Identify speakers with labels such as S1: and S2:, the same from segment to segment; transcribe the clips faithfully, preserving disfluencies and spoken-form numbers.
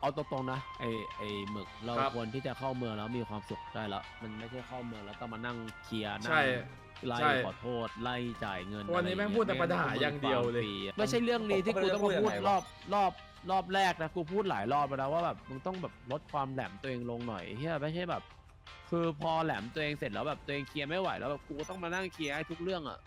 S1: เอาตรงๆนะไอไอหมึกเรา
S2: ครับ
S1: ควรที่จะเข้าเมืองแล้วมีความสุขได้แล้วมันไม่ใช่เข้าเมืองแล้วต้องมานั่งเคลียร์นั่
S2: ใช่
S1: งไล่
S2: ใช่
S1: ขอโทษไล่จ่ายเงิน
S2: วันนี้
S1: อะไร
S2: แม่ง
S1: เ
S2: พูดแต่ปัญหาอย่างเดียวเลย
S1: ฟรีอะไม่ใช่เรื่องนี้ที่กูต้องมาพูดรอบรอบรอบแรกนะกูพูดหลายรอบไปแล้วว่าแบบมึงต้องแบบลดความแหลมตัวเองลงหน่อยเฮียไม่ใช่แบบ คือพอแหลมตัวเองเสร็จแล้วแบบตัวเองเคลียร์ไม่ไหวแล้วแบบกูก็ต้องมานั่งเคลียร์ให้ทุกเรื่องอ่ะ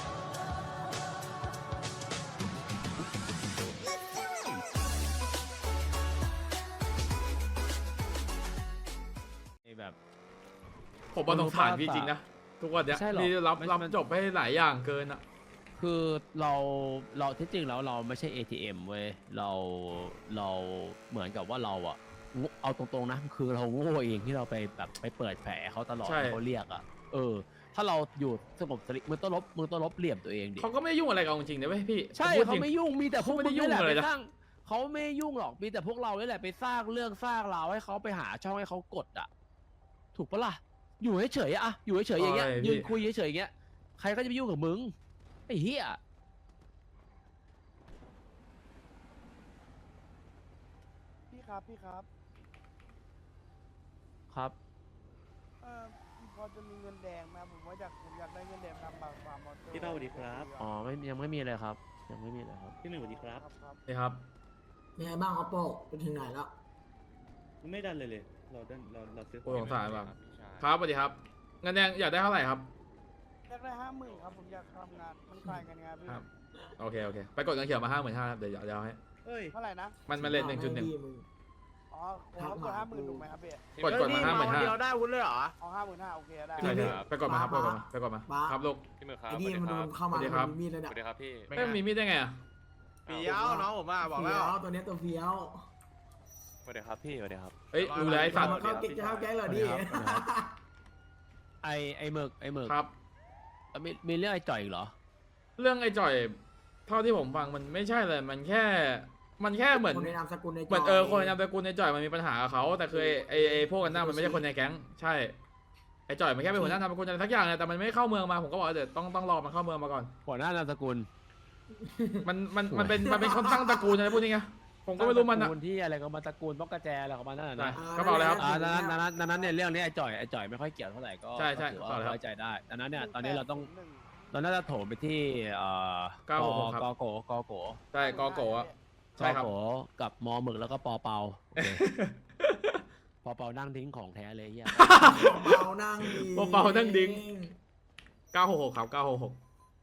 S1: แบบ
S2: ผมมาสงสารพี่จริงนะทุกวันเนี้ย
S1: ใช่หรอ
S2: พี่รับ
S1: มัน
S2: รับ
S1: มัน
S2: จบให้หลายอย่างเกินอะ
S1: คือเราเราที่จริงแล้วเราไม่ใช่ เอ ที เอ็ม เว้ยเราเราเหมือนกับว่าเราอะงูเอาตรงๆนะคือเราโง่เองที่เราไปแบบไปเปิดแผลเขาตลอด
S2: ใช่
S1: เขาเรียกอะเออ ถ้าเราอยู่สงบสติมึงต้องลบมึงต้องลบเหลี่ยมตัวเองดิ
S2: เขาก็ไม่ได้ยุ่งอะไรกับเราจริงๆนะเว้ยพี่
S1: ใช่
S2: พูด
S1: เขา
S2: จริง
S1: ไม่ยุ่งมีแต่พวก
S2: เขาไม่ได้
S1: งนี่แหละ
S2: ยุ่งเลย
S1: ไป
S2: นะ
S1: สร้างเขาไม่ยุ่งหรอกมีแต่พวกเรานี่แหละไปสร้างเรื่องสร้างราวให้เขาไปหาช่องให้เขากดอะถูกปะล่ะอยู่เฉยๆอะอยู่เฉยๆอย่างเงี้ย
S2: ใช่พี่
S1: ยืนคุยเฉยๆอย่างเงี้ยใครก็จะไปยุ่งกับมึงไอ้เหี้ย
S3: พี่ครับพี่ครับ
S1: ครับ
S3: เอ่อพอจะมีเงินแดงไหมผมว่าอยากผมอยากได้เงินแดงทำบางฟาร์มมอเตอร์
S4: พี่เป้าสวัสดีครับ
S1: อ๋อไม่ยังไม่มีอะไรครับ ยังไม่มีอะไรครับ
S4: พี่หนึ่งสวัสดีค
S3: ค
S4: รั
S3: รั
S4: บบ
S3: ครับ
S2: นี่ครับ
S5: ยังไงบ้างครับโป้ไปถึงไหนแล้ว
S4: ไม่ดันเลยเลย เราดันเราเราซื้อข
S2: โอ้
S4: อง
S2: สงสารว่ะครับสวัสดีครับเงินแดงอยากได้เท่าไหร่ครับ
S3: อยากได้ห้าหมื่นครับผมอยากทำงานมันขายกันไงพี่
S2: ครับ โอเคโอเคไปกดเงินเขียวมาห้าหมื่นห้าเดี๋ยวเดี๋ยวเอาให้
S4: เอ้ย
S3: เท่าไหร่นะ
S2: มันมันเลนหนึ่งจุดหนึ่ง
S3: อ๋อผมเขากดห้าหมื่นถูกไหมครับพี่
S2: กดกดมาห้าหมื่นห้า
S6: เราได้วุ้นเลยเหรอ
S3: เอาห้าหมื่นห้าโอเคได้
S2: ใช่ใช่ไปกดมาครับไปกดมาไปกดมา
S5: บ้า
S2: ครับลูก
S7: พี่หมึกครับ
S5: ไอ้
S7: ส
S5: นี่
S7: วัสดี
S5: มัน
S7: ค
S5: โด
S7: รับ
S5: นเข้ามา
S2: สวัสดีครับ
S5: มันมีมีดเลย
S7: ส
S5: เนี่ย
S7: วัสดีครับพี่
S2: ไม่มีมีดได้ไงอะ
S6: เฟี้ยวน้องผมมาบอก
S5: เฟี้
S6: แล้ว
S5: ยวตัวเนี้ยตัวเฟี้ยว
S7: สวัสดีครับพี่สวัสดีครับ
S2: เอ้ยรู้แล้วไอ้สัตว์
S5: มาเข้าเก๊กจะเข้าแก๊งเหรอดิ
S1: ไอไอหมึกไอหมึก
S2: ครับ
S1: แล้วมีมีเรื่องไอจ่อยอีกเหรอ
S2: เรื่องไอ้จ่อยเท่าที่ผมฟังมันไม่ใช่เลยมันแค่ มันแค่เหมือน
S5: คนในนามสกุลใน
S2: เหมือนเออคนในนามสกุลในจ่อยมันมีปัญหากับเขาแต่คือไอ้ไอ้ไอ้พวกกันหน้ามันไม่ใช่คนในแก๊งใช่ไอ้จ่อยมันแค่เป็นหัวหน้านามสกุลอะไรสักอย่างเนี่ยแต่มันไม่เข้าเมืองมาผมก็บอกว่าเดี๋ยวต้องต้องรอมันเข้าเมืองมาก่อน
S1: หัวหน้านามสกุล
S2: มันมันมันเป็นมันเป็นคนตั้งตระกูลอะไรพวกนี้ไงผมก็ไม่รู้มัน
S1: ต
S2: อะ
S1: ระกูลที่อะไรก็มาตระกูลป้องกระแจอะไรของมันนั่นแหละ
S2: ใช่
S1: นะ
S2: กระเป๋าอะไรครับ
S1: อ่านั้นนั้นนั้นนั้นเนี่ยเรื่องนี้ไอจ่อยไอจ่อยไม่ค่อยเกี่ยวเท่าไหร่ก็
S2: ใช่ใช่
S1: ก็ถือ
S2: ขอ
S1: ว่า
S2: เลยครับ
S1: ไว้ใจได้ดังนั้นเนี่ยตอนนี้เราต้อง
S3: หนึ่ง
S1: เราน่าจะโถมไปที่เอ่อ
S2: เก้าหกหกครับ
S1: กโกกโก
S2: ใช่กอโกะอะใช่ครับ
S1: กโกกับมอหมึกแล้วก็ปอเปาโอเค ปอเปานั่งทิ้งของแท้เลยเฮีย
S5: เบานั่งดี
S2: เบาๆนั่งดิ้ง เก้าหกหกครับเก้าหกหก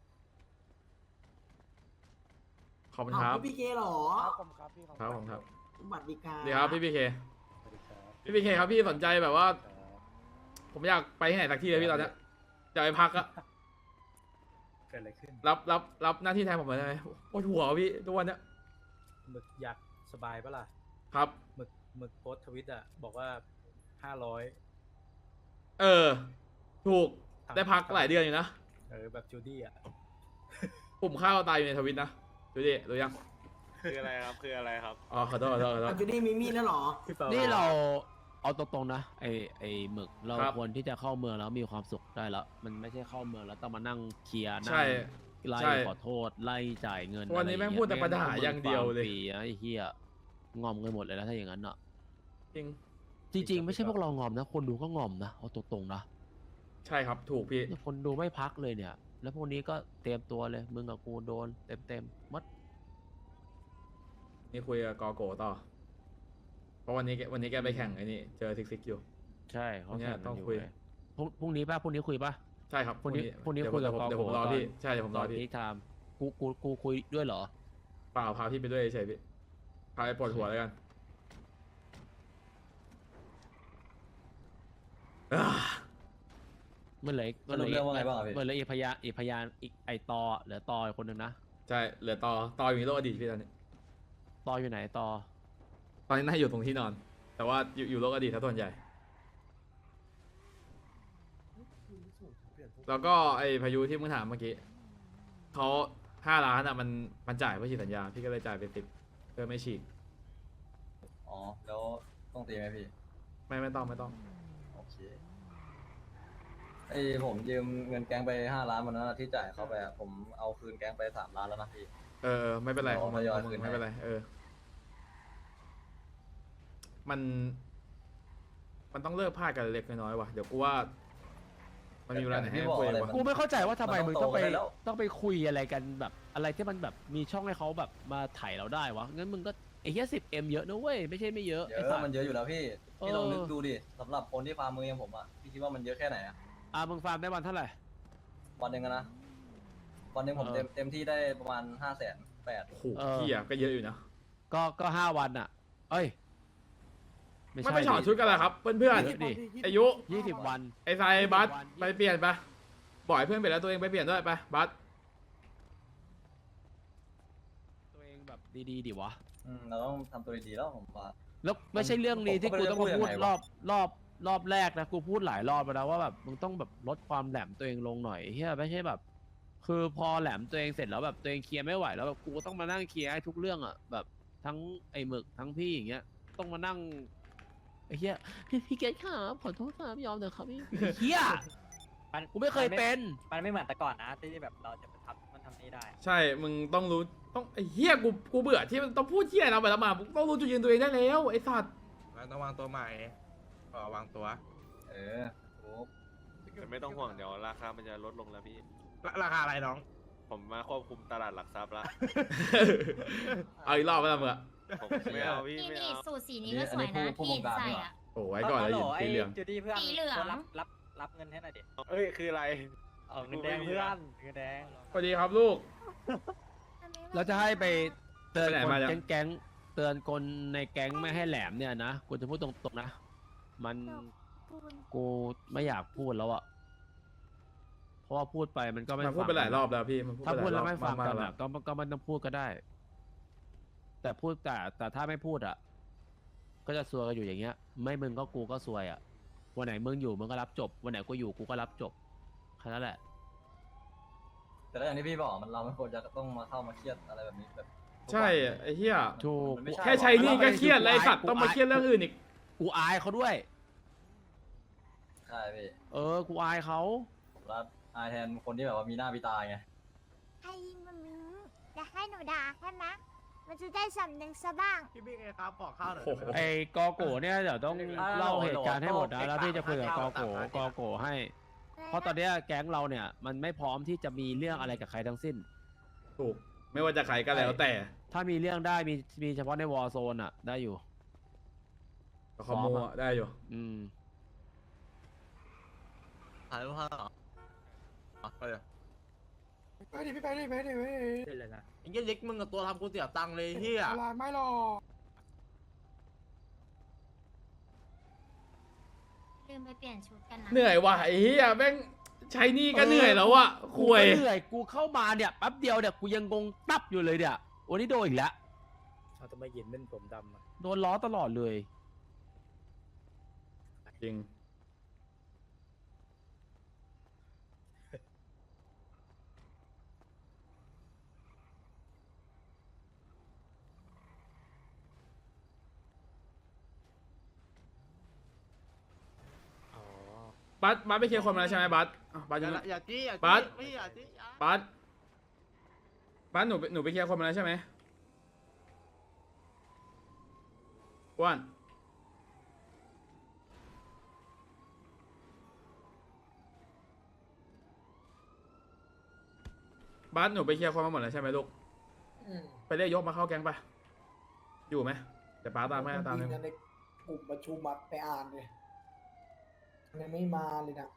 S2: ขอบคุณครับ
S5: พี่เกเหรอ
S3: ครับผมครับพี่
S2: ครับผมครับ
S5: บัตรดีกา
S2: ดีครับพี่พีเคพี่พีเคครับพี่สนใจแบบว่า ผมอยากไปที่ไหนสักที่เลยพี่ตอนเนี้ยอยากไปพักอะ
S8: เกิดอะไรขึ้น
S2: รับรับรับหน้าที่แทนผมหน่อยได้ไหมปวดหัวพี่ทุกวันเนี้ย
S8: หมึกอยากสบายปะล่ะ
S2: ครับ
S8: หมึกหมึกโพสต์ทวิตอ่ะ บอกว่าห้าร้อย
S2: เออ ถูกได้พักหลายเดือนอยู่นะ
S8: เออ แบบจูดี้อ่ะ
S2: ปุ่มข้าวตายอยู่ในทวิตนะดูดิรู้ยัง
S7: คืออะไรครับคืออะไรครับ
S2: อ๋อขอโทษขอโทษขอโทษ
S5: อ่ะจูดี้มีมีดแล้วเหรอ
S8: พี่เปา
S1: นี่เราเอาตรงๆนะไอไอหมึกเรา
S2: ครับ
S1: ควรที่จะเข้าเมืองแล้วมีความสุขได้แล้ว มันไม่ใช่เข้าเมืองแล้วต้องมานั่งเคลียร์นั่
S2: ใช่
S1: งไล่
S2: ใช่
S1: ขอโทษไล่จ่ายเงิน
S2: วันนี้แม่งพูดแต่ปัญหาอย่างเดียวเลย
S1: ฟรีนะไอ้เหี้ยงอมกันหมดเลยนะถ้าอย่างนั้นอ่ะ
S2: จริง
S1: จริง ๆ ไม่ใช่พวกเรางอมนะ คนดูก็งอมนะเอาตรงๆนะ
S2: ใช่ครับถูกพี่
S1: คนดูไม่พักเลยเนี่ย แล้วพวกนี้ก็เตรียมตัวเลยมึงกับกูโดนเต็มๆมัด
S2: นี่คุยกับกอโกต่อ เพราะวันนี้แกวันนี้แกไปแข่งไอ้นี่เจอซิกซิกอยู่
S1: ใช่เขา
S2: เนี่ย
S1: แข่งกั
S2: ต้อน ง
S1: อยู่
S2: คุย
S1: เลยพรุ่งพรุ่งนี้ป่ะพรุ่งนี้คุยป่ะ
S2: ใช่ครับ
S1: พรุ่งนี้พรุ่งนี้
S2: เดี๋ว
S1: คุยกับ
S2: เดี๋ยวผม
S1: กอโก
S2: เดี๋ยวผมรอ
S1: ตอน
S2: พี่ใช่เดี๋ยวผมรอพี่
S1: พีคไทม์กูกูกูคุยด้วยเหรอ
S2: เปล่าพาพี่ไปด้วยเฉยๆพี่พาไปปวดหัวแล้วกันอ่า
S1: เมื่อไหร่
S4: สรุปเรื่องว่าไงบ้างอะพี่
S1: เมื่อไหร่อีกพยานอีกพยานอีกไอตอเหลือตออีกคนหนึ่งนะ
S2: ใช่เหลือต่อต่ออยู่ในโลกอดีตพี่ตอนนี้
S1: ตออยู่ไหนตอ
S2: ตอนนี้น่าอยู่ตรงที่นอน แต่ว่าอยู่อยู่โลกอดีตถ้าส่วนใหญ่ แล้วก็ไอพายุที่มึงถามเมื่อกี้เขาห้าล้านอ่ะมันมันจ่ายเพื่อฉีกสัญญาพี่ก็เลยจ่ายไปสิบเพื่อไม่ฉีก
S4: อ๋อ แล้วต้องตีไหมพี่
S2: ไม่ไม่ต้องไม่ต้อง
S4: โอเคไอผมยืมเงินแก๊งไปห้าล้านวันนั้นอะที่จ่ายเขาไปอะผมเอาคืนแก๊งไปสามล้านแล้วนะพี่
S2: เออไม่เป็นไร
S4: เดี๋ยว
S2: ของมึง
S4: ทยอย
S2: ของมึ
S4: คื
S2: ง
S4: น
S2: ไม่
S4: ให้
S2: เป็นไรเออมัน มันต้องเลิกพลาดกันเล็กน้อยๆว่ะเดี๋ยวกูว่า มันมีเวลาไหนให้คุยวะ
S1: กูไม่เข้าใจว่าทำไม
S4: มัน
S1: มึง
S4: ต้
S1: ต้
S4: อ
S1: อง งไป
S4: โตกันได้แล้ว
S1: ต้องไปคุยอะไรกันแบบอะไรที่มันแบบมีช่องให้เขาแบบมาถ่ายเราได้วะงั้นมึงก็ไอ้เหี้ยสิบเอ็มเยอะนะเว้ยไม่ใช่ไม่เยอะ
S4: เย
S1: ไอ้
S4: อะ
S1: สัต
S4: มัน
S1: ว์
S4: เยอะอยู่แล้วพี่พี่ลอง
S1: เออ
S4: นึกดูดิสำหรับคนที่ฟาร์มมืออย่างผมอ่ะพี่คิดว่ามันเยอะแค่ไหนอ่ะ
S1: อ่ะมึงฟาร์มได้วันเท่าไหร่
S4: วันหนึ่งอะนะวันหนึ่งผม
S1: เออ
S4: เต็มเต็มที่ได้ประมาณห้าแสนแปด
S2: โอ้โหเฮียก็เยอะอยู่นะ
S1: ก็ก็ห้าวันอ่ะ เอ้ย
S2: ไม่ไปถอดชุดกันเหรอครับเพื่อน
S1: เยอะดิ
S2: ๆอายุ
S1: ยี่สิบวัน
S2: ไอ้ทรายบัส
S1: วัน
S2: ไปเปลี่ยนไปบ่อยเพื่อนไปแล้วตัวเองไปเปลี่ยนด้วยไปบัส
S1: ตัวเองแบบดีๆดิวะ
S4: อืมเราต้องทำตัวดีๆแล้วผมว่า
S1: แล้วไม่ใช่เรื่องนี้ที่
S4: ผมก็
S1: กู
S4: ไม่รู้
S1: ต้องมา
S4: จะพู
S1: พู
S4: ด
S1: ด
S4: ยังไง
S1: ร
S4: วะ
S1: อบรอบรอบแรกนะกูพูดหลายรอบแล้วนะว่าแบบมึงต้องแบบลดความแหลมตัวเองลงหน่อยเฮียไม่ใช่แบบ คือพอแหลมตัวเองเสร็จแล้วแบบตัวเองเคลียร์ไม่ไหวแล้วแบบกูก็ต้องมานั่งเคลียร์ให้ทุกเรื่องอ่ะแบบทั้งไอ้หมึกทั้งพี่อย่างเงี้ยต้องมานั่งไอ้เฮียพี่พี่เกตครับขอโทษครับยอมเถอะครับพี่ไอ้เฮีย
S9: มัน
S1: กูไม่เคยเป็น
S9: มันไม่เหมือนแต่ก่อนนะที่แบบเราจะไปทำมันทำนี่ได้อะ
S2: ใช่มึงต้องรู้ต้องไอ้เฮียกูกูเบื่อที่มันต้องพูดเฮียเราไปแล้วมามึงต้องรู้จุดยืนตัวเองได้แล้วไอ้สัตว์
S6: ต้องวางตัวใหม่ขอวางตัว
S4: เออโอ้
S7: ไม่ต้องห่วงเดี๋ยวราคามันจะลดลงแล้วพี่
S6: ราคาอะไรน้อง
S7: ผมมาควบคุมตลาดหลักทรัพย์ละ
S2: เอาอีกรอบไปละมึงอะ
S7: ผมไม่เอาพี่
S10: นี่
S7: ไม่
S10: นี่
S7: เอา
S10: สูตรสีนี้ก็สวยนะที่ใส่อ่ะ
S2: โอ้ไว้ก่อนแล้ว
S9: ฮัล
S2: ยิ
S9: โห
S2: น
S9: ไอ้
S2: สีเหลือง
S9: จูดี้เพื่อน
S10: สีเหลือง
S9: คนรับรับรับเงินให้หน่อยดิ
S7: เอ้ยคืออะไร
S9: เอาเงินแดงเพื่อนเงินแดง
S2: สวัสดีครับลูก
S1: เราจะให้ไปเตือน
S2: ไปไหน
S1: คน
S2: มาเนี่ย
S1: แก๊งๆเตือนคนในแก๊งไม่ให้แหลมเนี่ยนะกูจะพูดตรงๆนะมันกูไม่อยากพูดแล้วอะเพราะว่าพูดไปมันก็ไม่
S2: มันพูด
S1: ฟัง
S2: ไปหลายรอบแล้วพี่มันพูด
S1: ถ้า
S2: ไปห
S1: พูด
S2: ลายร
S1: แล้
S2: อ
S1: ว
S2: บ
S1: ไม่ฟัง
S2: มา
S1: กัน
S2: ๆ
S1: อะก็ก็ไม่ต้องพูดก็ได้ แต่พูดแต่แต่ถ้าไม่พูดอะก็จะซวยกันอยู่อย่างเงี้ย ไม่มึงก็กูก็ซวยอะวันไหนมึงอยู่มึงก็รับจบวันไหนกูอยู่กูก็รับจบแค่นั้นแหละ
S4: แต่แล้วอย่างที่พี่บอกมันเราไม่ควรจะต้องมาเข้ามาเครียดอะไรแบบนี้แบบ
S2: ใช่ไอ้เหี้ย
S1: ถูก
S4: มันไม่ใช่
S2: แค่ใช้หนี่ก็เครียดเลยไอ้สัตว์ต้องมาเครียดเรื่องอื่นอีก
S1: กูอายเขาด้วย
S4: ใช่พี่
S1: เออ กูอายเขา
S4: ผมรับอายแทนคนที่แบบว่ามีหน้ามีตาไง
S10: ให้มันมึงจะให้หนูด่าใช่ไหมมันจะได้สำนึกซะบ้าง
S6: พี่บิ๊กเอครับขอข้าวหน่อย
S2: โอ้โห
S1: ไอ้กอโกเนี่ยเดี๋ยวต้องเล่าเหตุการณ์ให้หมดนะแล้วพี่จะคุยกับกอโกกอโกให้ เพราะตอนเนี้ยแก๊งเราเนี่ย มันไม่พร้อมที่จะมีเรื่องอะไรกับใครทั้งสิ้น
S2: ถูกไม่ว่าจะใครก็แล้วแต่
S1: ถ้ามีเรื่องได้มีมีเฉพาะในวอร์โซนอะได้อยู่
S2: คอมโมอะได้อยู่
S1: อืม
S6: ถ่ายรูปภาพเหรอไปเลย
S3: ไปดิพี่ไปดิไปดิไปดิ
S8: ได้เลยนะ
S6: ไอ้เงี้ยเล็กมึงกับตัวทำกูเสียตังค์เลยเฮีย
S3: อะไรไม่หรอก
S10: ลืมไปเปลี่ยนชุดกันนะ
S2: เหนื่อยว่ะไอ้เหี้ยแม่งใช้หนี่ก็เหนื่อยแล้วอะ
S1: กู
S2: คุย
S1: ก็เหนื่อยกูเข้ามาเนี่ยแป๊บเดียวเนี่ยกูยังงงตับอยู่เลยเนี่ยวันนี้โดนอีกแล้ว
S8: เอาทำไมเย็นเป็นผมดำอ่ะ
S1: โดนล้อตลอดเลย
S2: จริง
S8: อ๋อ
S2: บัสบัสไปเคลียร์คนมาแล้วใช่ไหมบัสอ่ะบัส
S6: อ
S2: ยั
S6: ย่าง อย่าจี้อย่า
S2: บัส
S6: จี้พี่อย่าจี้อย่า
S2: บัสบัสหนูไปหนูไปเคลียร์คนมาแล้วใช่ไหมอ้วนบัสหนูไปเคลียร์คนมาหมดแล้วใช่ไหมลูก ไปเรียกยกมาเข้าแก๊งไป อยู่ไหมเดี๋ยวป้าตามให้ตามเลย
S3: ในกลุ่มประชุมมาไปอ่านเลยยังไม่มาเลยนะ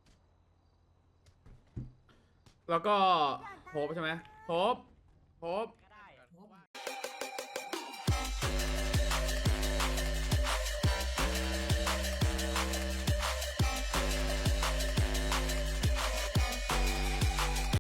S2: แล้วก็โฮปใช่ไหมโฮปโฮป